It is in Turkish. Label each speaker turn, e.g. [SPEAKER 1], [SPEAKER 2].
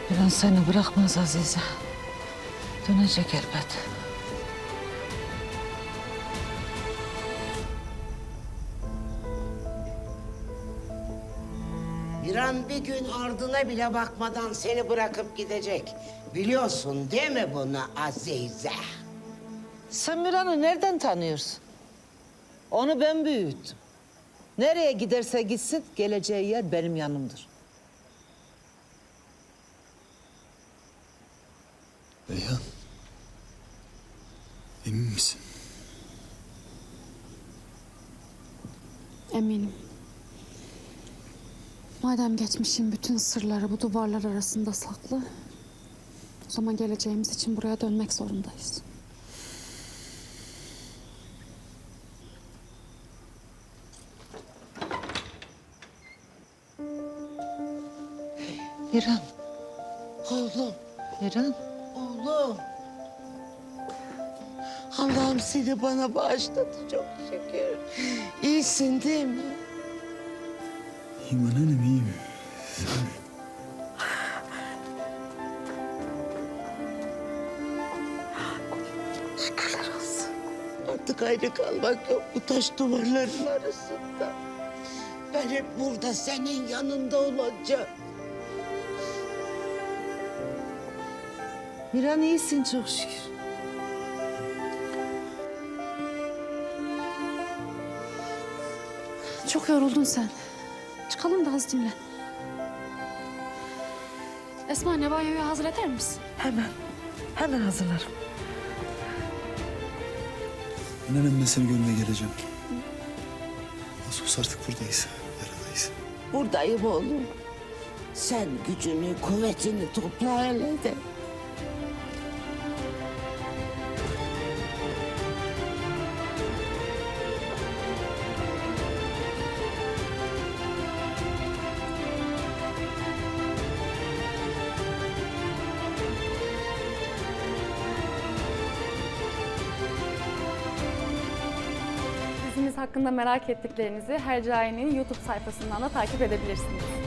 [SPEAKER 1] Bir an seni bırakmaz Azize. Dönecek elbet.
[SPEAKER 2] Bir an bir gün ardına bile bakmadan seni bırakıp gidecek. Biliyorsun değil mi bunu Azize?
[SPEAKER 1] Sen Miran'ı nereden tanıyorsun? Onu ben büyüttüm. Nereye giderse gitsin geleceği yer benim yanımdır.
[SPEAKER 3] Reyhan. Emin misin?
[SPEAKER 4] Eminim. Madem geçmişin bütün sırları bu duvarlar arasında saklı, o zaman geleceğimiz için buraya dönmek zorundayız.
[SPEAKER 1] Miran,
[SPEAKER 2] Oğlum,
[SPEAKER 1] Miran.
[SPEAKER 2] oğlum. Allah'ım seni bana bağışladı çok şükür. İyisin değil mi?
[SPEAKER 3] İyiyim anneannem, iyiyim. Sen...
[SPEAKER 2] Şükürler olsun. Artık ayrı kalmak yok bu taş duvarların arasında. Ben hep burada senin yanında olacağım.
[SPEAKER 1] Miran iyisin çok şükür.
[SPEAKER 4] Çok yoruldun sen. Çıkalım da az dinlen. Esma anne, banyoyu hazır eder misin?
[SPEAKER 1] Hemen hazırlarım.
[SPEAKER 3] Anneannem, ben seni görmeye geleceğim. Nasıl olsa artık buradayız, yaradayız.
[SPEAKER 2] Buradayım oğlum. Sen gücünü, kuvvetini topla hele de.
[SPEAKER 5] Dizimiz hakkında merak ettiklerinizi Hercai'nin YouTube sayfasından da takip edebilirsiniz.